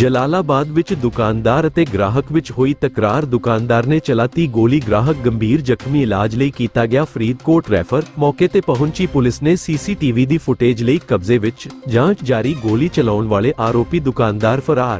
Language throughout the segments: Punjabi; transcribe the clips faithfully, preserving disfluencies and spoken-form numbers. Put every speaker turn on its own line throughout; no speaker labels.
ਜਲਾਲਾਬਾਦ ਵਿੱਚ ਦੁਕਾਨਦਾਰ ਅਤੇ ਗ੍ਰਾਹਕ ਵਿੱਚ ਹੋਈ ਤਕਰਾਰ। ਦੁਕਾਨਦਾਰ ਨੇ ਚਲਾਤੀ ਗੋਲੀ, ਗ੍ਰਾਹਕ ਗੰਭੀਰ ਜ਼ਖਮੀ। ਇਲਾਜ ਲਈ ਕੀਤਾ ਗਿਆ ਫਰੀਦਕੋਟ ਰੈਫਰ। ਮੌਕੇ ਤੇ ਪਹੁੰਚੀ ਪੁਲਿਸ ਨੇ ਸੀਸੀਟੀਵੀ ਦੀ ਫੁਟੇਜ ਲਈ ਕਬਜ਼ੇ ਵਿੱਚ। ਜਾਂਚ ਜਾਰੀ। ਗੋਲੀ ਚਲਾਉਣ ਵਾਲੇ ਆਰੋਪੀ ਦੁਕਾਨਦਾਰ ਫਰਾਰ।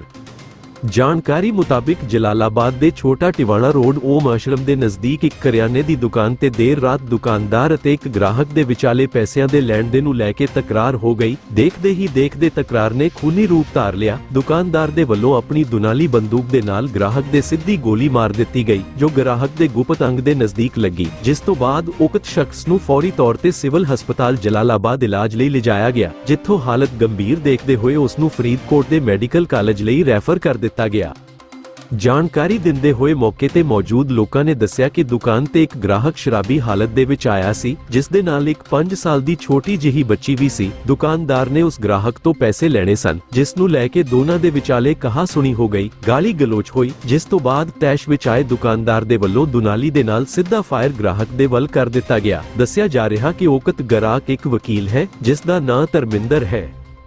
ਜਾਣਕਾਰੀ ਮੁਤਾਬਿਕ ਜਲਾਲਾਬਾਦ ਦੇ ਛੋਟਾ ਟਿਵਾਣਾ ਰੋਡ ਓਮ ਆਸ਼ਰਮ ਦੇ ਨਜ਼ਦੀਕ ਇੱਕ ਕਰਿਆਨੇ ਦੀ ਦੁਕਾਨ ਤੇ ਦੇਰ ਰਾਤ ਦੁਕਾਨਦਾਰ ਅਤੇ ਇੱਕ ਗ੍ਰਾਹਕ ਦੇ ਵਿਚਾਲੇ ਪੈਸਿਆਂ ਦੇ ਲੈਣ ਦੇਣ ਨੂੰ ਲੈ ਕੇ ਤਕਰਾਰ ਹੋ ਗਈ। ਦੇਖਦੇ ਹੀ ਦੇਖਦੇ ਤਕਰਾਰ ਨੇ ਖੂਨੀ ਰੂਪ ਧਾਰ ਲਿਆ। ਦੁਕਾਨਦਾਰ ਦੇ ਵੱਲੋਂ ਆਪਣੀ ਦੁਨਾਲੀ ਬੰਦੂਕ ਦੇ ਨਾਲ ਗ੍ਰਾਹਕ ਦੇ ਸਿੱਧੀ ਗੋਲੀ ਮਾਰ ਦਿੱਤੀ ਗਈ, ਜੋ ਗ੍ਰਾਹਕ ਦੇ ਗੁਪਤ ਅੰਗ ਦੇ ਨਜ਼ਦੀਕ ਲੱਗੀ, ਜਿਸ ਤੋਂ ਬਾਅਦ ਉਕਤ ਸ਼ਖਸ ਨੂੰ ਫੌਰੀ ਤੌਰ ਤੇ ਸਿਵਲ ਹਸਪਤਾਲ ਜਲਾਲਾਬਾਦ ਇਲਾਜ ਲਈ ਲਿਜਾਇਆ ਗਿਆ, ਜਿੱਥੋਂ ਹਾਲਤ ਗੰਭੀਰ ਦੇਖਦੇ ਹੋਏ ਉਸ ਨੂੰ ਫਰੀਦਕੋਟ ਦੇ ਮੈਡੀਕਲ ਕਾਲਜ ਲਈ ਰੈਫਰ ਕਰ ਦਿੱਤਾ ਗਿਆ। ਜਾਣਕਾਰੀ ਦਿੰਦੇ ਹੋਏ ਮੌਕੇ ਤੇ ਮੌਜੂਦ ਲੋਕਾਂ ਨੇ ਦੱਸਿਆ ਕਿ ਦੁਕਾਨ ਤੇ ਇੱਕ ਗ੍ਰਾਹਕ ਸ਼ਰਾਬੀ ਹਾਲਤ ਦੇ ਵਿੱਚ ਆਇਆ ਸੀ, ਜਿਸ ਦੇ ਨਾਲ ਇੱਕ ਪੰਜ ਸਾਲ ਦੀ ਛੋਟੀ ਜਿਹੀ ਬੱਚੀ ਵੀ ਸੀ। ਦੁਕਾਨਦਾਰ ਨੇ ਉਸ ਗ੍ਰਾਹਕ ਤੋਂ ਪੈਸੇ ਲੈਣੇ ਸਨ, ਜਿਸ ਨੂੰ ਲੈ ਕੇ ਦੋਨਾਂ ਦੇ ਵਿਚਾਲੇ ਕਹਾ ਸੁਣੀ ਹੋ ਗਈ, ਗਾਲੀ ਗਲੋਚ ਹੋਈ, ਜਿਸ ਤੋਂ ਬਾਅਦ ਤੈਸ਼ ਵਿੱਚ ਆਏ ਦੁਕਾਨਦਾਰ ਦੇ ਵੱਲੋਂ ਦੁਨਾਲੀ ਦੇ ਨਾਲ ਸਿੱਧਾ ਫਾਇਰ ਗ੍ਰਾਹਕ ਦੇ ਵੱਲ ਕਰ ਦਿੱਤਾ ਗਿਆ। ਦੱਸਿਆ ਜਾ ਰਿਹਾ ਕਿ ਉਕਤ ਗ੍ਰਾਹਕ ਇੱਕ ਵਕੀਲ ਹੈ, ਜਿਸ ਦਾ ਨਾਂ ਧਰਮਿੰਦਰ ਹੈ।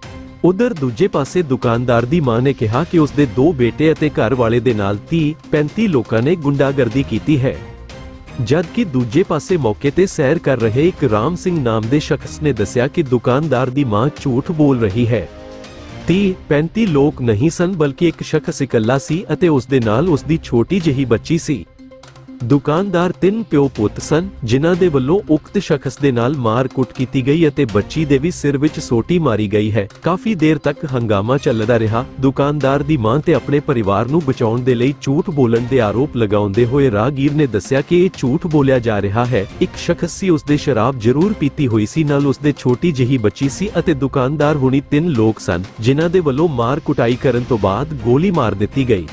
ਉਧਰ ਦੂਜੇ ਪਾਸੇ ਦੁਕਾਨਦਾਰ ਦੀ ਮਾਂ ਨੇ ਕਿਹਾ ਕਿ ਉਸ ਦੇ ਦੋ ਬੇਟੇ ਅਤੇ ਘਰ ਵਾਲੇ ਦੇ ਨਾਲ ਤੀਹ ਪੈਂਤੀ ਲੋਕਾਂ ਨੇ ਗੁੰਡਾਗਰਦੀ ਕੀਤੀ ਹੈ। ਜਦਕਿ ਦੂਜੇ ਪਾਸੇ ਮੌਕੇ ਤੇ ਸੈਰ ਕਰ ਰਹੇ ਇੱਕ ਰਾਮ ਸਿੰਘ ਨਾਮ ਦੇ ਸ਼ਖਸ ਨੇ ਦੱਸਿਆ ਕਿ ਦੁਕਾਨਦਾਰ ਦੀ ਮਾਂ ਝੂਠ ਬੋਲ ਰਹੀ ਹੈ। ਤੀਹ ਪੈਂਤੀ ਲੋਕ ਨਹੀਂ ਸਨ, ਬਲਕਿ ਇੱਕ ਸ਼ਖਸ ਇਕੱਲਾ ਸੀ ਅਤੇ ਉਸ ਦੇ ਨਾਲ ਉਸ ਦੀ ਛੋਟੀ ਜਿਹੀ ਬੱਚੀ ਸੀ। ਦੁਕਾਨਦਾਰ ਤਿੰਨ ਪਿਓ ਪੁੱਤ ਸਨ, ਜਿਨ੍ਹਾਂ ਦੇ ਵੱਲੋਂ ਉਕਤ ਸ਼ਖਸ ਦੇ ਨਾਲ ਮਾਰ-ਕੁੱਟ ਕੀਤੀ ਗਈ ਅਤੇ ਬੱਚੀ ਦੇ ਵੀ ਸਿਰ ਵਿੱਚ ਸੋਟੀ ਮਾਰੀ ਗਈ ਹੈ। ਕਾਫੀ ਦੇਰ ਤੱਕ ਹੰਗਾਮਾ ਚੱਲਦਾ ਰਿਹਾ। ਦੁਕਾਨਦਾਰ ਦੀ ਮਾਂ ਤੇ ਆਪਣੇ ਪਰਿਵਾਰ ਨੂੰ ਬਚਾਉਣ ਦੇ ਲਈ ਝੂਠ ਬੋਲਣ ਦੇ ਆਰੋਪ ਲਗਾਉਂਦੇ ਹੋਏ ਰਾਹਗੀਰ ਨੇ ਦੱਸਿਆ ਕਿ ਇਹ ਝੂਠ ਬੋਲਿਆ ਜਾ ਰਿਹਾ ਹੈ। ਇੱਕ ਸ਼ਖਸ ਸੀ, ਉਸ ਦੇ ਸ਼ਰਾਬ ਜ਼ਰੂਰ ਪੀਤੀ ਹੋਈ ਸੀ, ਨਾਲ ਉਸ ਦੇ ਛੋਟੀ ਜਿਹੀ ਬੱਚੀ ਸੀ ਅਤੇ ਦੁਕਾਨਦਾਰ ਹੁਣੀ ਤਿੰਨ ਲੋਕ ਸਨ, ਜਿਨ੍ਹਾਂ ਦੇ ਵੱਲੋਂ ਮਾਰ-ਕੁਟਾਈ ਕਰਨ ਤੋਂ ਬਾਅਦ ਗੋਲੀ ਮਾਰ ਦਿੱਤੀ ਗਈ।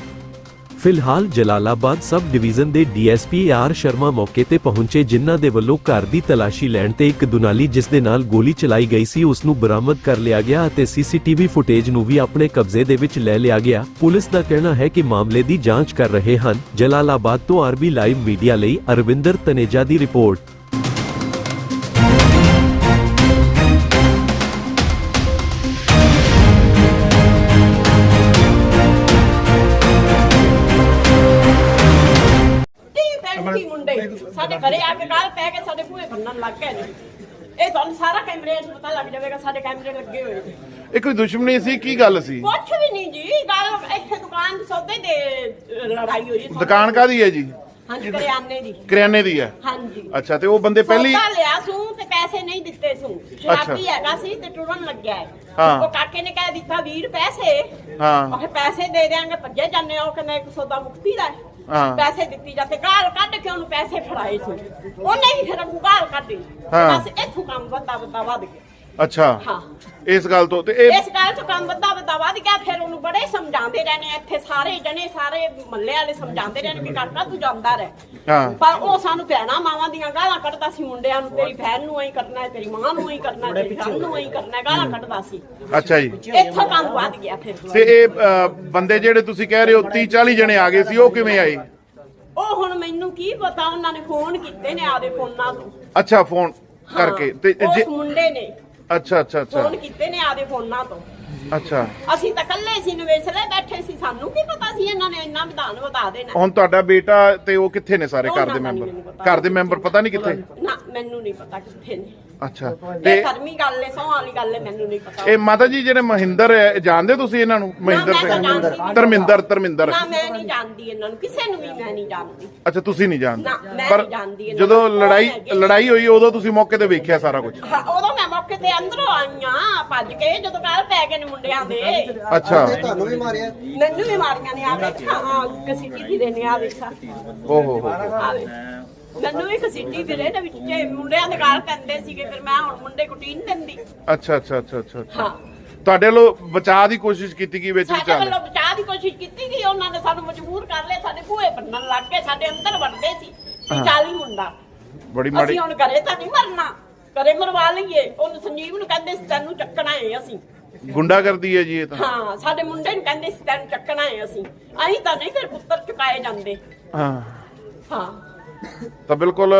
ਫਿਲਹਾਲ ਜਲਾਲਾਬਾਦ ਸਬ ਡਿਵੀਜ਼ਨ ਦੇ ਡੀਐਸਪੀ ਆਰ ਸ਼ਰਮਾ ਮੌਕੇ ਤੇ ਪਹੁੰਚੇ, ਜਿਨ੍ਹਾਂ ਦੇ ਵੱਲੋਂ ਘਰ ਦੀ ਤਲਾਸ਼ੀ ਲੈਣ ਤੇ ਇੱਕ ਦੁਨਾਲੀ ਜਿਸ ਦੇ ਨਾਲ ਗੋਲੀ ਚਲਾਈ ਗਈ ਸੀ ਉਸ ਨੂੰ ਬਰਾਮਦ ਕਰ ਲਿਆ ਗਿਆ ਅਤੇ ਸੀਸੀਟੀਵੀ ਫੁਟੇਜ ਨੂੰ ਵੀ ਆਪਣੇ ਕਬਜ਼ੇ ਦੇ ਵਿੱਚ ਲੈ ਲਿਆ ਗਿਆ। ਪੁਲਿਸ ਦਾ ਕਹਿਣਾ ਹੈ ਕਿ ਮਾਮਲੇ ਦੀ ਜਾਂਚ ਕਰ ਰਹੇ ਹਨ। ਜਲਾਲਾਬਾਦ ਤੋਂ ਆਰਬੀ ਲਾਈਵ ਮੀਡੀਆ ਲਈ ਅਰਵਿੰਦਰ ਤਨੇਜਾ ਦੀ ਰਿਪੋਰਟ।
ਮੁੰਡੇ ਸਾਡੇ ਘਰੇ ਆ ਕੇ ਗੱਲ ਪੈ ਕੇ ਸਾਡੇ ਭੂਏ ਬੰਨਣ ਲੱਗ ਗਏ ਨੇ। ਇਹ ਤੁਹਾਨੂੰ ਸਾਰਾ ਕੈਮਰੇ 'ਚ ਪਤਾ ਲੱਗ ਜਾਵੇਗਾ, ਸਾਡੇ ਕੈਮਰੇ ਲੱਗੇ ਹੋਏ ਨੇ।
ਇਹ ਕੋਈ ਦੁਸ਼ਮਣੀ ਸੀ? ਕੀ ਗੱਲ ਸੀ?
ਕੁਛ ਵੀ ਨਹੀਂ ਜੀ, ਗੱਲ ਇੱਥੇ ਦੁਕਾਨ ਦੇ ਸੌਦੇ ਦੇ ਲੜਾਈ ਹੋਈ।
ਦੁਕਾਨ ਕਾਦੀ ਹੈ ਜੀ?
ਹਾਂਜੀ, ਕਰਿਆਨੇ ਦੀ।
ਕਰਿਆਨੇ ਦੀ ਹੈ?
ਹਾਂਜੀ।
ਅੱਛਾ, ਤੇ ਉਹ ਬੰਦੇ ਪਹਿਲੀ
ਸੌਦਾ ਲਿਆ ਸੂ ਤੇ ਪੈਸੇ ਨਹੀਂ ਦਿੱਤੇ ਸੂ। ਸ਼ਰਾਬੀ ਹੈਗਾ ਸੀ ਤੇ ਟੁਰਨ ਲੱਗਿਆ ਹੈ।
ਹਾਂ।
ਉਹ ਕਾਕੇ ਨੇ ਕਹਿ ਦਿੱਤਾ ਵੀਹ ਪੈਸੇ।
ਹਾਂ।
ਉਹ ਪੈਸੇ ਦੇ ਦੇਾਂਗੇ, ਭੱਜੇ ਜਾਂਦੇ। ਉਹ ਕਹਿੰਦਾ ਇੱਕ ਸੌਦਾ ਮੁਕਤੀ ਦਾ ਹੈ।
ਹਾਂ।
ਪੈਸੇ ਦਿੱਤੀ ਜਾਂਦੇ, ਗਾਲ ਕੱਢ ਕੇ ਉਹਨੂੰ ਪੈਸੇ ਫੜਾਏ ਸੀ। ਉਹਨੇ ਵੀ ਫਿਰ ਅੱਗੋਂ ਗਾਲ ਕੱਢੀ।
ਹਾਂ।
ਬਸ ਇੱਥੋਂ ਕੰਮ ਵੱਧਾ ਵੱਧਾ ਵੱਧ ਗਿਆ।
ਅੱਛਾ।
ਹਾਂ।
ਇਸ ਗੱਲ ਤੋਂ ਤੇ ਇਹ
ਇਸ ਗੱਲ ਤੋਂ ਕੰਮ ਵੱਧਾ ਵੱਧਾ ਵੱਧ ਗਿਆ। ਫਿਰ ਉਹਨੂੰ ਬੜੇ ਸਮਝਾਉਂਦੇ ਰਹਿਣੇ, ਇੱਥੇ ਸਾਰੇ ਜਣੇ ਸਾਰੇ ਮਹੱਲੇ ਵਾਲੇ ਸਮਝਾਉਂਦੇ ਰਹਿਣੇ ਵੀ ਕਾਕਾ ਤੂੰ ਜਾਂਦਾ ਰਹਿ।
ਹਾਂ।
ਪਰ ਉਹ ਸਾਨੂੰ ਭੈਣਾਂ ਮਾਵਾਂ ਦੀਆਂ ਗਾਲਾਂ ਕੱਢਦਾ ਸੀ ਮੁੰਡਿਆਂ ਨੂੰ, ਤੇਰੀ ਭੈਣ ਨੂੰ ਐਂ ਕਰਨਾ ਹੈ, ਤੇਰੀ ਮਾਂ ਨੂੰ ਐਂ ਕਰਨਾ ਹੈ, ਤੇਰੀ ਭੈਣ ਨੂੰ ਐਂ ਕਰਨਾ ਹੈ, ਗਾਲਾਂ ਕੱਢਦਾ ਸੀ।
ਅੱਛਾ ਜੀ।
ਇੱਥੋਂ ਕੰਮ ਵੱਧ ਗਿਆ। ਫਿਰ
ਤੇ ਇਹ ਅ, ਬੰਦੇ ਜਿਹੜੇ ਤੁਸੀਂ ਕਹਿ ਰਹੇ ਹੋ ਤੀਹ ਚਾਲੀ ਜਣੇ ਆ ਗਏ ਸੀ, ਉਹ ਕਿਵੇਂ ਆਏ?
ਉਹ ਹੁਣ ਮੈਨੂੰ ਕੀ ਪਤਾ, ਉਹਨਾਂ ਨੇ ਫੋਨ ਕੀਤੇ ਨੇ ਆਦੇ ਫੋਨਾਂ ਤੋਂ।
ਅੱਛਾ, ਫੋਨ ਕਰਕੇ। ਤੇ
ਉਸ
ਜੇ
ਮੁੰਡੇ ਨੇ
ਅੱਛਾ ਅੱਛਾ ਅੱਛਾ
ਫੋਨ ਕੀਤੇ ਨੇ ਆਦੇ ਫੋਨਾਂ ਤੋਂ।
ਅੱਛਾ।
ਅਸੀਂ ਤਾਂ ਇਕੱਲੇ ਸੀ, ਨਵੇਸਲੇ ਬੈਠੇ ਸੀ, ਸਾਨੂੰ ਕੀ ਪਤਾ ਸੀ ਇਹਨਾਂ ਨੇ ਇੰਨਾ ਵਿਧਾਨ ਵਧਾ ਦੇਣਾ।
ਹੁਣ ਤੁਹਾਡਾ ਬੇਟਾ ਤੇ ਉਹ ਕਿੱਥੇ ਨੇ? ਸਾਰੇ ਘਰ ਦੇ ਮੈਂਬਰ? ਘਰ ਦੇ ਮੈਂਬਰ ਪਤਾ ਨਹੀਂ ਕਿੱਥੇ?
ਨਾ, ਮੈਨੂੰ ਨਹੀਂ ਪਤਾ ਕਿੱਥੇ ਨੇ।
ਅੱਛਾ।
ਤੇ
ਤੇ
ਕਰਮੀ ਗੱਲ ਹੈ, ਸੌਂ ਵਾਲੀ ਗੱਲ ਹੈ, ਮੈਨੂੰ ਨਹੀਂ ਪਤਾ।
ਇਹ ਮਾਤਾ ਜੀ ਜਿਹੜੇ ਮਹਿੰਦਰ ਹੈ, ਜਾਣਦੇ ਤੁਸੀਂ ਇਹਨਾਂ ਨੂੰ? ਮਹਿੰਦਰ ਸਿੰਘ, ਧਰਮਿੰਦਰ ਧਰਮਿੰਦਰ
ਨਾ, ਮੈਂ ਨਹੀਂ ਜਾਣਦੀ ਇਹਨਾਂ ਨੂੰ, ਕਿਸੇ ਨੂੰ ਵੀ ਮੈਂ ਨਹੀਂ ਜਾਣਦੀ।
ਅੱਛਾ, ਤੁਸੀਂ ਨਹੀਂ ਜਾਣਦੇ?
ਨਾ, ਮੈਂ
ਪਰ
ਨਹੀਂ ਜਾਣਦੀ ਇਹਨਾਂ
ਜਦੋਂ
ਨੂੰ।
ਲੜਾਈ ਲੜਾਈ ਹੋਈ ਉਦੋਂ ਤੁਸੀਂ ਮੌਕੇ ਤੇ ਵੇਖਿਆ ਸਾਰਾ ਕੁਝ?
ਹਾਂ, ਉਦੋਂ ਮੈਂ ਮੌਕੇ ਤੇ ਅੰਦਰੋਂ ਆਈਆਂ ਭੱਜ ਕੇ, ਜਦੋਂ ਗੱਲ ਪੈ ਗਏ ਨੇ ਮੁੰਡਿਆਂ ਦੇ।
ਅੱਛਾ।
ਤੁਹਾਨੂੰ ਵੀ ਮਾਰਿਆ?
ਮੈਨੂੰ ਵੀ ਮਾਰੀਆਂ ਨੇ। ਆ ਵੇਖਾ, ਹਾਂ, ਕਸੀਟੀ ਦੀ ਦੇ ਨੇ। ਆ ਵੇਖਾ,
ਓਹ ਹੋ ਹੋ।
ਆ ਵੇਖ, ਮੈਨੂੰ ਵੀ ਕਸੀਟੀ ਫਿਰੇ ਦੇ ਵਿੱਚ ਜੇ ਮੁੰਡਿਆਂ ਦੇ ਗਾਲ ਪੈਂਦੇ ਸੀਗੇ, ਫਿਰ ਮੈਂ ਹੁਣ ਮੁੰਡੇ ਕੁੱਟੀ ਨਹੀਂ ਦਿੰਦੀ।
ਅੱਛਾ ਅੱਛਾ ਅੱਛਾ ਅੱਛਾ ਅੱਛਾ।
ਹਾਂ।
ਤੁਹਾਡੇ ਵੱਲੋਂ ਬਚਾਅ ਦੀ ਕੋਸ਼ਿਸ਼ ਕੀਤੀ ਗਈ ਵਿੱਚ
ਸਾਡੇ
ਵਿਚਾਲੇ?
ਵੱਲੋਂ ਬਚਾਅ ਦੀ ਕੋਸ਼ਿਸ਼ ਕੀਤੀ ਗਈ, ਉਹਨਾਂ ਨੇ ਸਾਨੂੰ ਮਜਬੂਰ ਕਰ ਲਿਆ। ਸਾਡੇ ਭੂਏ ਬੰਨਣ ਲੱਗ ਗਏ, ਸਾਡੇ ਅੰਦਰ ਵੜਦੇ ਸੀ ਚਾਲੀ ਮੁੰਡਾ।
ਬੜੀ ਮਾੜੀ।
ਅਸੀਂ ਹੁਣ ਘਰੇ ਤਾਂ ਨਹੀਂ ਮਰਨਾ, ਘਰੇ ਮਰਵਾ ਲਈਏ। ਉਹਨੂੰ ਸੰਜੀਵ ਨੂੰ ਕਹਿੰਦੇ ਸੀ ਤੈਨੂੰ ਚੱਕਣਾ ਹੈ ਅਸੀਂ।
ਗੁੰਡਾਗਰਦੀ ਹੈ ਜੀ ਇਹ ਤਾਂ।
ਹਾਂ, ਸਾਡੇ ਮੁੰਡੇ ਨੂੰ ਕਹਿੰਦੇ ਸੀ ਤੈਨੂੰ ਚੱਕਣਾ ਹੈ ਅਸੀਂ। ਅਸੀਂ ਤਾਂ ਨਹੀਂ ਫਿਰ ਪੁੱਤਰ ਚੁਕਾਏ ਜਾਂਦੇ।
ਹਾਂ
ਹਾਂ।
ਤਾਂ ਬਿਲਕੁਲ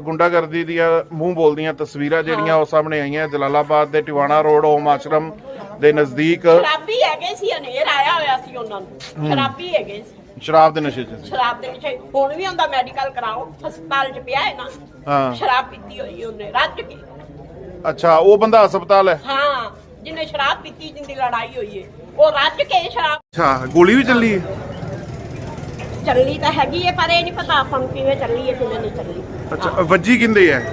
ਗੁੰਡਾਗਰਦੀ ਦੀਆਂ ਮੂੰਹ ਬੋਲਦੀਆਂ ਤਸਵੀਰਾਂ ਜਿਹੜੀਆਂ ਉਹ ਸਾਹਮਣੇ ਆਈਆਂ ਜਲਾਲਾਬਾਦ ਦੇ ਟਿਵਾਣਾ ਰੋਡ ਓਮ ਆਸ਼ਰਮ ਦੇ ਨਜ਼ਦੀਕ
ਸ਼ਰਾਬੀ ਹੈਗੇ ਸੀ, ਹਨੇਰ ਆਇਆ ਹੋਇਆ ਸੀ ਉਹਨਾਂ ਨੂੰ, ਸ਼ਰਾਬੀ ਹੈਗੇ ਸੀ,
ਸ਼ਰਾਬ ਦੇ ਨਸ਼ੇ 'ਚ।
ਸ਼ਰਾਬ ਦੇ ਨਸ਼ੇ। ਹੁਣ ਵੀ ਹੁੰਦਾ ਮੈਡੀਕਲ ਕਰਾਓ, ਹਸਪਤਾਲ 'ਚ ਪਿਆ ਹੈ ਨਾ।
ਹਾਂ।
ਸ਼ਰਾਬ ਪੀਤੀ ਹੋਈ ਉਹਨੇ ਰੱਜ ਕੇ।
ਅੱਛਾ, ਉਹ ਬੰਦਾ ਹਸਪਤਾਲ ਹੈ।
ਹਾਂ, ਜਿਹਨੇ ਸ਼ਰਾਬ ਪੀਤੀ, ਜਿੰਦੀ ਲੜਾਈ ਹੋਈ ਹੈ, ਉਹ ਰੱਜ ਕੇ ਸ਼ਰਾਬ।
ਅੱਛਾ, ਗੋਲੀ ਵੀ ਚੱਲੀ ਹੈ।
ਚੱਲੀ ਤਾਂ ਹੈਗੀ ਹੈ, ਪਰ ਇਹ ਨਹੀਂ ਪਤਾ ਆਪਾਂ ਨੂੰ ਕਿਵੇਂ ਚੱਲੀ ਹੈ, ਕਿਵੇਂ ਨਹੀਂ ਚੱਲੀ।
ਅੱਛਾ, ਵੱਜੀ ਕਿੰਦੇ ਹੈ?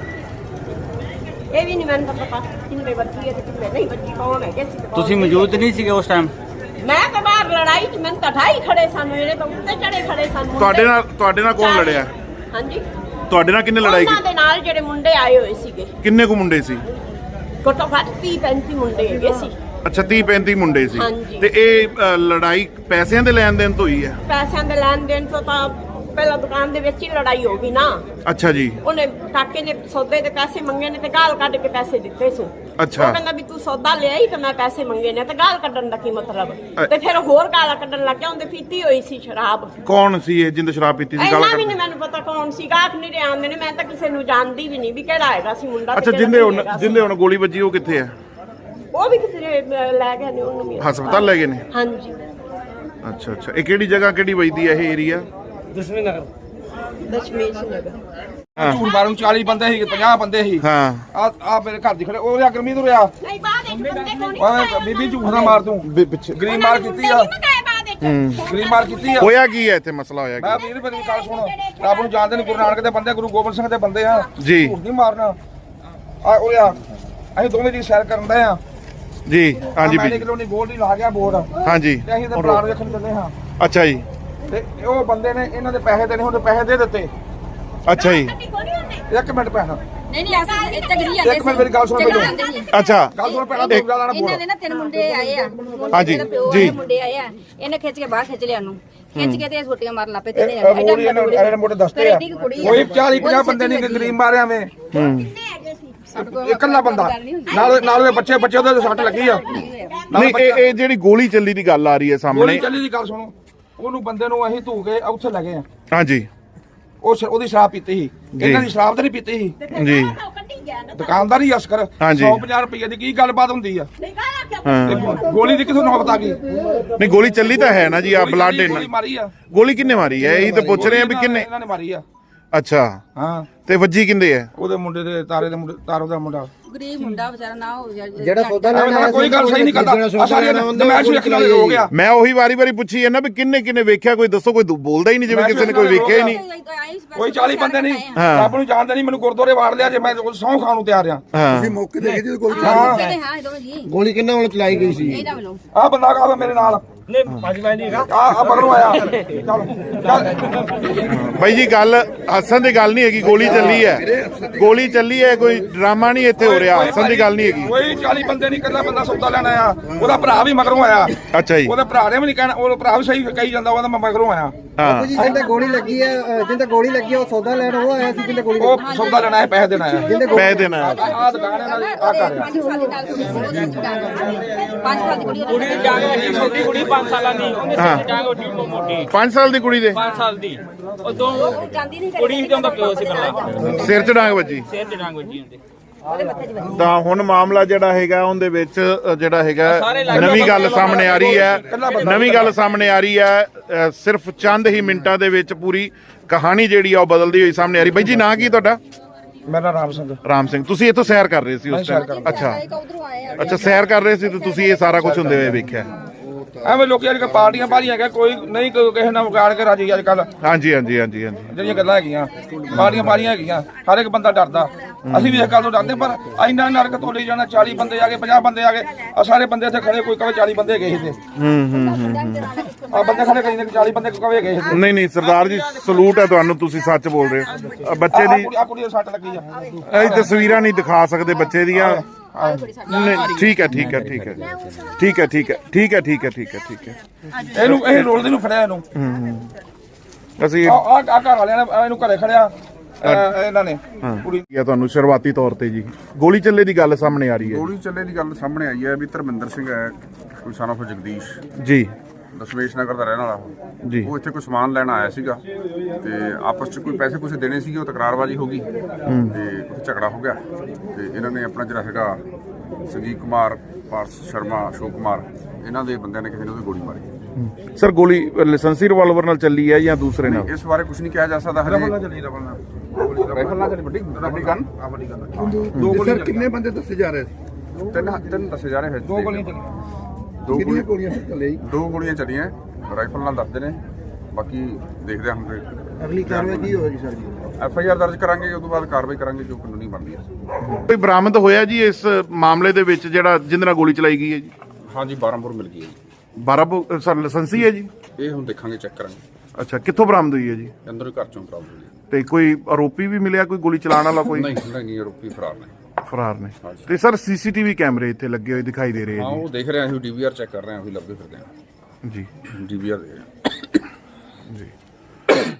ਇਹ ਵੀ ਨਹੀਂ ਮੈਨੂੰ ਤਾਂ ਪਤਾ ਕਿੰਨੇ ਵੱਜੀ ਹੈ ਤੇ ਕਿੰਨੇ ਨਹੀਂ ਵੱਜੀ, ਕੌਣ ਹੈ ਕਿਸੇ।
ਤੁਸੀਂ ਮੌਜੂਦ ਨਹੀਂ ਸੀਗੇ ਉਸ ਟਾਈਮ?
ਮੈਂ ਤਾਂ ਬਾਹਰ ਲੜਾਈ 'ਚ, ਮੈਨੂੰ ਤਾਂ ਢਾਈ ਖੜੇ ਸਨ, ਇਹਨੇ ਤਾਂ ਉੱਤੇ ਚੜੇ ਖੜੇ ਸਨ ਮੁੰਡੇ।
ਤੁਹਾਡੇ ਨਾਲ ਤੁਹਾਡੇ ਨਾਲ ਕੌਣ ਲੜਿਆ?
ਹਾਂਜੀ,
ਤੁਹਾਡੇ ਨਾਲ ਕਿੰਨੇ ਲੜਾਈ
ਉਹਨਾਂ
ਕੀਤੀ?
ਦੇ ਨਾਲ ਜਿਹੜੇ ਮੁੰਡੇ ਆਏ ਹੋਏ ਸੀਗੇ,
ਕਿੰਨੇ ਕੁ ਮੁੰਡੇ ਸੀ?
ਘੱਟੋ ਘੱਟ ਤੀਹ ਪੈਂਤੀ ਮੁੰਡੇ ਹੈਗੇ ਸੀ।
ਅੱਛਾ, ਤੀਹ ਪੈਂਤੀ ਮੁੰਡੇ ਸੀ।
ਹਾਂਜੀ।
ਤੇ ਇਹ ਅ, ਲੜਾਈ ਪੈਸਿਆਂ ਦੇ ਲੈਣ ਦੇਣ ਤੋਂ ਹੋਈ ਹੈ?
ਪੈਸਿਆਂ ਦੇ ਲੈਣ ਦੇਣ ਤੋਂ ਤਾਂ ਪਹਿਲਾਂ ਦੁਕਾਨ ਦੇ ਵਿੱਚ ਹੀ ਲੜਾਈ ਹੋ ਗਈ ਨਾ।
ਅੱਛਾ ਜੀ।
ਉਹਨੇ ਕਾਕੇ ਨੇ ਸੌਦੇ ਦੇ ਪੈਸੇ ਮੰਗੇ ਨੇ ਤੇ ਗਾਲ ਕੱਢ ਕੇ ਪੈਸੇ ਦਿੱਤੇ ਸੀ।
ਅੱਛਾ।
ਉਹ ਕਹਿੰਦਾ ਵੀ ਤੂੰ ਸੌਦਾ ਲਿਆ ਹੀ ਤੇ ਮੈਂ ਪੈਸੇ ਮੰਗੇ ਨੇ, ਤੇ ਗਾਲ ਕੱਢਣ ਦਾ ਕੀ ਮਤਲਬ?
ਅ-
ਤੇ ਫਿਰ ਹੋਰ ਗਾਲਾਂ ਕੱਢਣ ਲੱਗ ਗਿਆ। ਉਹਦੇ ਪੀਤੀ ਹੋਈ ਸੀ ਸ਼ਰਾਬ।
ਕੌਣ ਸੀ ਇਹ ਜਿੰਦ ਸ਼ਰਾਬ ਪੀਤੀ ਸੀ? ਗਾਲਾਂ
ਇੰਨਾ ਵੀ
ਕੱਢ-
ਨਹੀਂ ਮੈਨੂੰ ਪਤਾ ਕੌਣ ਸੀ, ਗਾਹਕ ਨਹੀਂ ਰਿਹਾ ਆਉਂਦੇ ਨੇ। ਮੈਂ ਤਾਂ ਕਿਸੇ ਨੂੰ ਜਾਣਦੀ ਵੀ ਨਹੀਂ ਵੀ ਕਿਹੜਾ ਹੈਗਾ ਸੀ ਮੁੰਡਾ। ਤੇ
ਅੱਛਾ,
ਕਿਹੜਾ
ਜਿੰਦੇ
ਨਹੀਂ
ਹੁਣ
ਹੈਗਾ ਸੀ।
ਜਿੰਦੇ ਹੁਣ ਗੋਲੀ ਵੱਜੀ ਉਹ ਕਿੱਥੇ ਹੈ?
ਉਹ ਵੀ ਕਿਤੇ ਲੈ ਗਏ ਨੇ ਉਹਨੂੰ ਵੀ।
ਹਸਪਤਾਲ ਲੈ ਗਏ ਨੇ?
ਹਾਂਜੀ।
ਅੱਛਾ ਅੱਛਾ, ਇਹ ਕਿਹੜੀ ਜਗ੍ਹਾ ਕਿਹੜੀ ਵੱਜਦੀ ਹੈ ਇਹ ਏਰੀਆ?
ਦਸਵੇਂ ਨਗਰ।
ਦਸ਼ਮੇਸ਼ ਨਗਰ।
ਝੂਠ ਮਾਰੂ ਚਾਲੀ ਬੰਦੇ ਸੀ, ਪੰਜਾਹ ਬੰਦੇ ਸੀ।
ਹਾਂ।
ਆ ਆ ਮੇਰੇ ਘਰ ਦੀ ਖੜੇ ਉਹ ਰਿਆ ਗਰਮੀ ਤੋਂ ਰਿਆ।
ਨਹੀਂ ਬਾਅਦ ਇੱਕ ਬੰਦੇ ਕੋਲ ਨਹੀਂ
ਓਏ ਬੀਬੀ ਝੂਠ ਨਾ ਮਾਰ ਤੂੰ।
ਪਿੱਛੇ
ਗਰੀਬ ਮਾਰ ਕੀਤੀ ਆ, ਗਰੀਬ ਮਾਰ ਕੀਤੀ ਆ।
ਹੋਇਆ ਕੀ ਹੈ ਇੱਥੇ? ਮਸਲਾ ਹੋਇਆ
ਮੈਂ
ਕੀ?
ਵੀਰ ਮੇਰੀ ਗੱਲ ਸੁਣ, ਰੱਬ ਨੂੰ ਜਾਣਦੇ ਨਹੀਂ, ਗੁਰੂ ਨਾਨਕ ਦੇ ਬੰਦੇ, ਗੁਰੂ ਗੋਬਿੰਦ ਸਿੰਘ ਦੇ ਬੰਦੇ ਆ।
ਜੀ।
ਝੂਠ ਨਹੀਂ ਮਾਰਨਾ। ਆ ਉਹ ਆ ਅਸੀਂ ਦੋਵੇਂ ਜੀ ਸੈਰ ਕਰਨ ਦੇ ਆ।
ਜੀ ਹਾਂਜੀ
ਮੈਂ
ਵੀ
ਕਿਲੋ ਨਹੀਂ ਗੋਲ ਨਹੀਂ ਲਾ ਗਿਆ ਬੋਰਡ,
ਹਾਂਜੀ।
ਤੇ ਅਸੀਂ ਤੇ ਪਲਾਟ ਵੇਖਣ ਚੱਲੇ ਹਾਂ।
ਅੱਛਾ ਜੀ।
ਤੇ ਉਹ ਬੰਦੇ ਨੇ ਇਹਨਾਂ ਦੇ ਪੈਸੇ ਦੇਣੇ ਹੁੰਦੇ, ਪੈਸੇ ਦੇ ਦਿੱਤੇ।
ਅੱਛਾ ਜੀ।
ਇੱਕ ਮਿੰਟ ਪੈਸਾ
ਨਹੀਂ ਨਹੀਂ ਅਸੀਂ ਇੱਥੇ ਗਰੀ ਜਾਂਦੇ
ਇੱਕ ਮਿੰਟ ਮੇਰੀ ਗੱਲ ਸੁਣ ਪਹਿਲਾਂ।
ਅੱਛਾ
ਗੱਲ ਸੁਣ ਪਹਿਲਾਂ, ਦੋ ਗਾਲਾਂ ਨਾ
ਇਹਨਾਂ
ਬੋਲ।
ਦੇ ਨਾ ਤਿੰਨ ਮੁੰਡੇ ਆਏ ਆ, ਮੁੰਡੇ
ਹਾਂਜੀ,
ਦੇ ਪਿਓ
ਜੀ।
ਦੇ ਮੁੰਡੇ ਆਏ ਆ, ਇਹਨੇ ਖਿੱਚ ਕੇ ਬਾਹਰ ਖਿੱਚ ਲਿਆ ਉਹਨੂੰ, ਖਿੱਚ ਕੇ ਤੇ ਛੋਟੀਆਂ ਮਾਰਨ ਲੱਪੇ ਤੇ
ਇਹ ਮੋੜੀ ਇਹਨਾਂ ਇਹਨਾਂ ਮੋਟੇ ਦੱਸਦੇ ਆ ਕੋਈ ਚਾਲੀ ਪੰਜਾਹ ਬੰਦੇ ਨਹੀਂ ਗਰੀਬ ਮਾਰਿਆ ਵੇ। ਇਕੱਲਾ ਬੰਦਾ ਨਾਲ ਨਾਲ ਦੇ ਬੱਚੇ ਬੱਚੇ ਉਹਦੇ ਸੱਟ ਲੱਗੀ ਆ।
ਨਹੀਂ, ਇਹ ਇਹ ਜਿਹੜੀ ਗੋਲੀ ਚੱਲੀ ਦੀ ਗੱਲ ਆ ਰਹੀ ਹੈ
ਗੋਲੀ
ਸਾਹਮਣੇ।
ਚੱਲੀ ਦੀ ਗੱਲ ਸੁਣੋ, ਉਹਨੂੰ ਬੰਦੇ ਨੂੰ ਅਸੀਂ ਧੂ ਕੇ ਉੱਥੇ ਲੱਗੇ ਆ।
ਹਾਂਜੀ
ਉਹ ਸ਼- ਉਹਦੀ ਸ਼ਰਾਬ ਪੀਤੀ ਸੀ, ਇਹਨਾਂ ਦੀ ਸ਼ਰਾਬ ਤਾਂ ਨਹੀਂ ਪੀਤੀ ਸੀ।
ਜੀ।
ਦੁਕਾਨਦਾਰ ਹੀ ਅਸਕਰ
ਹਾਂਜੀ।
ਸੌ ਪੰਜਾਹ ਰੁਪਏ ਦੀ ਕੀ ਗੱਲਬਾਤ ਹੁੰਦੀ ਆ?
ਹਾਂ।
ਤੇ ਗੋ- ਗੋਲੀ ਦੀ ਕਿਥੋਂ ਨੌਬਤ ਆ ਗਈ?
ਨਹੀਂ, ਗੋਲੀ ਚੱਲੀ ਤਾਂ ਹੈ ਨਾ ਜੀ। ਆ
ਗੋਲੀ
ਬਲੱਡ
ਚੱਲੀ,
ਇਹਨਾਂ
ਗੋਲੀ ਮਾਰੀ ਆ।
ਗੋਲੀ ਕਿੰਨੇ ਮਾਰੀ ਹੈ? ਇਹੀ ਤਾਂ ਪੁੱਛ ਰਹੇ ਆ ਵੀ ਕਿੰਨੇ।
ਇਹਨਾਂ ਨੇ ਮਾਰੀ ਆ।
ਅੱਛਾ,
ਹਾਂ,
ਤੇ ਵੱਜੀ ਕਿੰਦੇ ਹੈ?
ਉਹਦੇ ਮੁੰਡੇ ਦੇ ਤਾਰੇ ਦੇ ਮੁੰਡੇ, ਤਾਰੋ ਦਾ ਮੁੰਡਾ।
ਗਰੀਬ ਮੁੰਡਾ ਵਿਚਾਰਾ ਨਾ ਹੋ
ਜਿਹੜਾ ਸੌਦਾ
ਐਵੇਂ ਤਾਂ ਕੋਈ ਗੱਲ ਸਹੀ ਨਹੀਂ ਕਰਦਾ। ਆ ਸਾਰੀਆਂ ਮੈਂ ਸ਼ੁਰੂ ਅੱਖਾਂ ਨਾਲ ਹੋ ਗਿਆ।
ਮੈਂ ਉਹੀ ਵਾਰੀ ਵਾਰੀ ਪੁੱਛੀ ਹੈ ਨਾ ਵੀ ਕਿੰਨੇ ਕਿੰਨੇ ਵੇਖਿਆ? ਕੋਈ ਦੱਸੋ, ਕੋਈ ਬੋਲਦਾ ਹੀ ਨਹੀਂ, ਜਿਵੇਂ ਕਿਸੇ ਨੇ ਕੋਈ ਵੇਖਿਆ ਹੀ ਨਹੀਂ।
ਕੋਈ ਚਾਲੀ ਬੰਦੇ ਨਹੀਂ,
ਹਾਂ।
ਰੱਬ ਨੂੰ ਜਾਣਦੇ ਨਹੀਂ। ਮੈਨੂੰ ਗੁਰਦੁਆਰੇ ਵਾੜ ਲਿਆ ਜੇ ਮੈਂ ਸਹੁੰ ਖਾਣ ਨੂੰ ਤਿਆਰ ਆ।
ਹਾਂ।
ਮੌਕੇ ਤੇ ਇਹਦੀ ਗੋਲੀ
ਹਾਂ,
ਹਾਂ ਇਹ ਦੋਵੇਂ ਜੀ
ਗੋਲੀ ਕਿੰਨਾ ਵੱਲੋਂ ਚਲਾਈ ਗਈ ਸੀ?
ਇਹਦਾ ਵੱਲੋਂ
ਆ ਬੰਦਾ ਕਾ ਮੇਰੇ ਨਾਲ
ਨਹੀਂ ਪੰਜ ਮੈਂ ਨਹੀਂ ਹੈਗਾ।
ਆ ਆ ਮਗਰੋਂ ਆਇਆ। ਚੱਲ ਚੱਲ
ਬਾਈ ਜੀ, ਗੱਲ ਹੱਸਣ ਦੀ ਗੱਲ ਨਹੀਂ ਹੈਗੀ। ਗੋਲੀ ਚੱਲੀ ਹੈ, ਗੋਲੀ ਚੱਲੀ ਹੈ, ਕੋਈ ਡਰਾਮਾ ਨਹੀਂ ਇੱਥੇ ਹੋ ਰਿਹਾ। ਹੱਸਣ ਦੀ ਗੱਲ ਨਹੀਂ ਹੈਗੀ।
ਕੋਈ ਚਾਲੀ ਬੰਦੇ ਨਹੀਂ, ਇਕੱਲਾ ਬੰਦਾ ਸੌਦਾ ਲੈਣ ਆਇਆ। ਉਹਦਾ ਭਰਾ ਵੀ ਮਗਰੋਂ ਆਇਆ।
ਅੱਛਾ ਜੀ।
ਉਹਦੇ ਭਰਾ ਨੇ ਵੀ ਨਹੀਂ ਕਹਿਣਾ, ਉਹ ਭਰਾ ਵੀ ਸਹੀ ਕਹੀ ਜਾਂਦਾ, ਉਹਦਾ ਮੈਂ ਮਗਰੋਂ ਆਇਆ।
ਹਾਂ।
ਜੀ ਜਿੰਦੇ ਗੋਲੀ ਲੱਗੀ ਹੈ, ਅ, ਜਿੰਦੇ ਗੋਲੀ ਲੱਗੀ ਹੈ ਉਹ ਸੌਦਾ ਲੈਣ ਉਹ ਆਇਆ ਸੀ ਜਿੰਦੇ ਗੋਲੀ
ਉਹ ਸੌਦਾ ਲੈਣਾ ਹੈ, ਪੈਸੇ ਦੇਣਾ ਹੈ।
ਪੈ ਦੇਣਾ ਹੈ।
ਆ ਦੁਕਾਨ ਇਹਨਾਂ ਦੀ ਆ ਕਰ ਰਿਹਾ।
ਪੰਜ ਸਾਲ ਦੀ ਨਾਲ ਕੁੜੀ ਸੀ ਉਹਦੀ ਡਾਂਗ ਪੰਜ ਸਾਲ ਦੀ ਕੁੜੀ
ਕੁੜੀ ਦੀ ਡਾਂਗ ਵੱਜੀ, ਛੋਟੀ ਕੁੜੀ ਪੰਜ ਸਾਲਾਂ ਦੀ, ਉਹਨੇ ਸਿਰ ਦੀ ਡਾਂਗ ਵੱਜੀ ਮੋਟੀ
ਪੰਜ ਸਾਲ ਦੀ ਕੁੜੀ ਦੇ
ਪੰਜ ਸਾਲ ਦੀ। ਉਹ ਦੋ
ਜਾਂਦੀ ਨਹੀਂ
ਕੁੜੀ ਤੇ ਉਹਦਾ ਪਿਓ ਸੀ ਇਕੱਲਾ,
ਸਿਰ 'ਚ ਡਾਂਗ ਵੱਜੀ।
ਸਿਰ ਤੇ ਡਾਂਗ ਵੱਜੀ ਹੁੰਦੀ।
ਉਹਦੇ ਮੱਥੇ 'ਚ ਵੱਜੀ।
ਤਾਂ ਹੁਣ ਮਾਮਲਾ ਜਿਹੜਾ ਹੈਗਾ ਉਹਦੇ ਵਿੱਚ ਅ, ਜਿਹੜਾ ਹੈਗਾ
ਸਾਰੇ ਇਲਾਕੇ
ਨਵੀਂ ਗੱਲ
ਬੰਦੇ
ਸਾਹਮਣੇ ਆ ਰਹੀ ਹੈ। ਨਵੀਂ ਗੱਲ ਸਾਹਮਣੇ ਆ ਰਹੀ ਹੈ। ਅ, ਸਿਰਫ ਚੰਦ ਹੀ ਮਿੰਟਾਂ ਦੇ ਵਿੱਚ ਪੂਰੀ ਕਹਾਣੀ ਜਿਹੜੀ ਆ ਉਹ ਬਦਲਦੀ ਹੋਈ ਸਾਹਮਣੇ ਆ ਰਹੀ। ਬਾਈ ਜੀ, ਨਾਂ ਕੀ ਤੁਹਾਡਾ?
ਮੇਰਾ ਰਾਮ ਸਿੰਘ।
ਰਾਮ ਸਿੰਘ। ਤੁਸੀਂ ਇੱਥੋਂ ਸੈਰ ਕਰ ਰਹੇ ਸੀ ਉਸ ਟਾਈਮ? ਅੱਛਾ
ਇੱਕ ਉਧਰੋਂ ਆਏ ਆ
ਅੱਛਾ, ਸੈਰ ਕਰ ਰਹੇ ਸੀ ਤੇ ਤੁਸੀਂ ਇਹ ਸਾਰਾ ਕੁਝ ਹੁੰਦੇ ਹੋਏ ਵੇਖਿਆ?
ਐਵੇਂ ਲੋਕੀ ਅੱਜ ਕੱਲ੍ਹ ਪਾਰਟੀਆਂ ਪਾਰੀਆਂ ਹੈਗਾ, ਕੋਈ ਨਹੀਂ ਕੋਈ ਕਿਸੇ ਨਾਲ ਵਿਗਾੜ ਕੇ ਰਾਜੀ ਅੱਜ ਕੱਲ
ਹਾਂਜੀ ਹਾਂਜੀ ਹਾਂਜੀ ਹਾਂਜੀ।
ਜਿਹੜੀਆਂ ਗੱਲਾਂ ਹੈਗੀਆਂ ਪਾਰਟੀਆਂ ਪਾਰੀਆਂ ਹੈਗੀਆਂ। ਹਰ ਇੱਕ ਬੰਦਾ ਡਰਦਾ। ਅਸੀਂ ਵੀ ਇਸ ਗੱਲ ਤੋਂ ਡਰਦੇ, ਪਰ ਇੰਨਾ ਨਰਕ ਤੋਂ ਲਈ ਜਾਣਾ। ਚਾਲੀ ਬੰਦੇ ਆ ਗਏ, ਪੰਜਾਹ ਬੰਦੇ ਆ ਗਏ, ਆ ਸਾਰੇ ਬੰਦੇ ਇੱਥੇ ਖੜੇ, ਕੋਈ ਕਵੇ ਚਾਲੀ ਬੰਦੇ ਗਏ ਸੀ।
ਹੂੰ ਹੂੰ ਹੂੰ।
ਆ ਬੰਦੇ ਖੜੇ ਕਈ ਨੇ ਚਾਲੀ ਬੰਦੇ ਕਵੇ ਗਏ ਸੀ।
ਨਹੀਂ ਨਹੀਂ ਸਰਦਾਰ ਜੀ, ਸਲੂਟ ਹੈ ਤੁਹਾਨੂੰ, ਤੁਸੀਂ ਸੱਚ ਬੋਲ ਰਹੇ ਹੋ। ਅ, ਬੱਚੇ ਦੀ
ਆ ਕੁੜੀ ਦੇ ਸੱਟ ਲੱਗੀ ਆ।
ਇਹ ਤਸਵੀਰਾਂ ਨਹੀਂ ਦਿਖਾ ਸਕਦੇ ਬੱਚੇ ਦੀਆਂ। ਨਹੀਂ, ਠੀਕ ਹੈ ਠੀਕ ਹੈ ਠੀਕ ਹੈ ਠੀਕ ਹੈ ਠੀਕ ਹੈ ਠੀਕ ਹੈ ਠੀਕ ਹੈ ਠੀਕ ਹੈ ਠੀਕ ਹੈ।
ਇਹਨੂੰ ਇਹ ਰੋਲਦੇ ਨੂੰ ਫੜਿਆ ਇਹਨੂੰ।
ਅਸੀਂ
ਆ ਆ ਆ ਘਰ ਵਾਲਿਆਂ ਨੇ ਇਹਨੂੰ ਘਰੇ ਖੜਿਆ ਅਹ ਇਹਨਾਂ ਨੇ ਕੁੜੀ।
ਇਹ ਤੁਹਾਨੂੰ ਸ਼ੁਰੂਆਤੀ ਤੌਰ ਤੇ ਜੀ ਗੋਲੀ ਚੱਲੇ ਦੀ ਗੱਲ ਸਾਹਮਣੇ ਆ ਰਹੀ ਹੈ।
ਗੋਲੀ ਚੱਲੇ ਦੀ ਗੱਲ ਸਾਹਮਣੇ ਆਈ ਹੈ ਵੀ ਧਰਮਿੰਦਰ ਸਿੰਘ ਹੈ, ਕੋਈ son of ਜਗਦੀਸ਼।
ਜੀ।
ਦਸ਼ਮੇਸ਼ ਨਗਰ ਦਾ ਰਹਿਣ ਵਾਲਾ
ਜੀ।
ਉਹ ਇੱਥੇ ਕੋਈ ਸਮਾਨ ਲੈਣ ਆਇਆ ਸੀਗਾ ਤੇ ਆਪਸ 'ਚ ਕੋਈ ਪੈਸੇ ਪੂਸੇ ਦੇਣੇ ਸੀਗੇ, ਉਹ ਤਕਰਾਰਬਾਜ਼ੀ ਹੋ ਗਈ ਤੇ ਉੱਥੇ ਝਗੜਾ ਹੋ ਗਿਆ ਤੇ ਇਹਨਾਂ ਨੇ ਆਪਣਾ ਜਿਹੜਾ ਹੈਗਾ ਸੰਜੀਵ ਕੁਮਾਰ, ਪਾਰਸ ਸ਼ਰਮਾ, ਅਸ਼ੋਕ ਕੁਮਾਰ, ਇਹਨਾਂ ਦੇ ਬੰਦਿਆਂ ਨੇ ਕਿਸੇ ਨੇ ਉਹਦੀ ਗੋਲੀ ਮਾਰੀ।
ਸਰ ਗੋਲੀ ਲਾਇਸੈਂਸੀ ਰਿਵਾਲਵਰ ਨਾਲ ਚੱਲੀ ਹੈ ਜਾਂ ਦੂਸਰੇ ਨਾਲ?
ਇਸ ਬਾਰੇ ਕੁਝ ਨਹੀਂ ਕਿਹਾ ਜਾ ਸਕਦਾ ਹਜੇ। ਰਫਲ ਨਾਲ ਚੱਲੀ, ਰਫਲ ਨਾਲ ਰਾਈਫਲ ਨਾਲ ਚੱਲੀ, ਵੱਡੀ ਵੱਡੀ ਗਨ ਆ, ਵੱਡੀ ਗਨ।
ਦੋ ਗੋਲੀਆਂ
ਸਰ ਕਿੰਨੇ ਬੰਦੇ ਦੱਸੇ ਜਾ ਰਹੇ ਸੀ?
ਤਿੰਨ ਤਿੰਨ ਦੱਸੇ ਜਾ ਰਹੇ ਹੈ।
ਦੋ ਗੋਲੀਆਂ ਚੱਲੀਆਂ।
ਦੋ
ਕਿੰਨੀਆਂ
ਗੋਲੀਆਂ
ਗੋਲੀਆਂ ਚੱਲੇ ਜੀ?
ਦੋ ਗੋਲੀਆਂ ਚੱਲੀਆਂ, ਰਾਈਫਲ ਨਾਲ ਦੱਸਦੇ ਨੇ, ਬਾਕੀ ਦੇਖਦੇ ਹਾਂ ਹੁਣ ਤੇ
ਅਗਲੀ ਕਾਰਵਾਈ ਕੀ ਹੋਵੇਗੀ ਸਰ ਜੀ?
ਐਫ ਆਈ ਆਰ ਦਰਜ ਕਰਾਂਗੇ, ਉਸ ਤੋਂ ਬਾਅਦ ਕਾਰਵਾਈ ਕਰਾਂਗੇ ਜੋ ਕਾਨੂੰਨੀ ਬਣਦੀ ਹੈ।
ਕੋਈ ਬਰਾਮਦ ਹੋਇਆ ਜੀ ਇਸ ਮਾਮਲੇ ਦੇ ਵਿੱਚ ਜਿਹੜਾ ਜਿਹਦੇ ਨਾਲ ਗੋਲੀ ਚਲਾਈ ਗਈ ਹੈ ਜੀ?
ਹਾਂਜੀ ਬਾਰਾਂ ਬੋਰ ਮਿਲ ਗਈ ਹੈ ਜੀ।
ਬਾਰਾਂ ਬੋ ਸਰ ਲਾਇਸੈਂਸੀ ਹੈ ਜੀ?
ਇਹ ਹੁਣ ਦੇਖਾਂਗੇ, ਚੈੱਕ ਕਰਾਂਗੇ।
ਅੱਛਾ, ਕਿੱਥੋਂ ਬਰਾਮਦ ਹੋਈ ਹੈ ਜੀ?
ਅੰਦਰ ਹੀ ਘਰ ਚੋਂ ਪ੍ਰਾਪਤ ਹੋਈ ਹੈ।
ਤੇ ਕੋਈ ਆਰੋਪੀ ਵੀ ਮਿਲਿਆ, ਕੋਈ ਗੋਲੀ ਚਲਾਉਣ ਵਾਲਾ ਕੋਈ?
ਨਹੀਂ ਨਹੀਂ ਨਹੀਂ, ਆਰੋਪੀ ਫਰਾਰ ਨੇ।
ਫਰਾਰ ਨੇ। ਤੇ ਸਰ ਸੀਸੀਟੀਵੀ ਕੈਮਰੇ ਇੱਥੇ ਲੱਗੇ ਹੋਏ ਦਿਖਾਈ ਦੇ ਰਹੇ
ਹਾਂ
ਆ
ਉਹ ਦੇਖ ਰਹੇ ਹਾਂ, ਅਸੀਂ ਡੀ ਵੀ ਆਰ ਚੈੱਕ ਕਰ ਰਹੇ ਹਾਂ, ਅਸੀਂ ਲੱਭਦੇ ਫਿਰਦੇ ਹਾਂ
ਜੀ।
ਡੀ ਵੀ ਆਰ ਦੇ ਰਹੇ ਹਾਂ।
ਜੀ ਜੀ।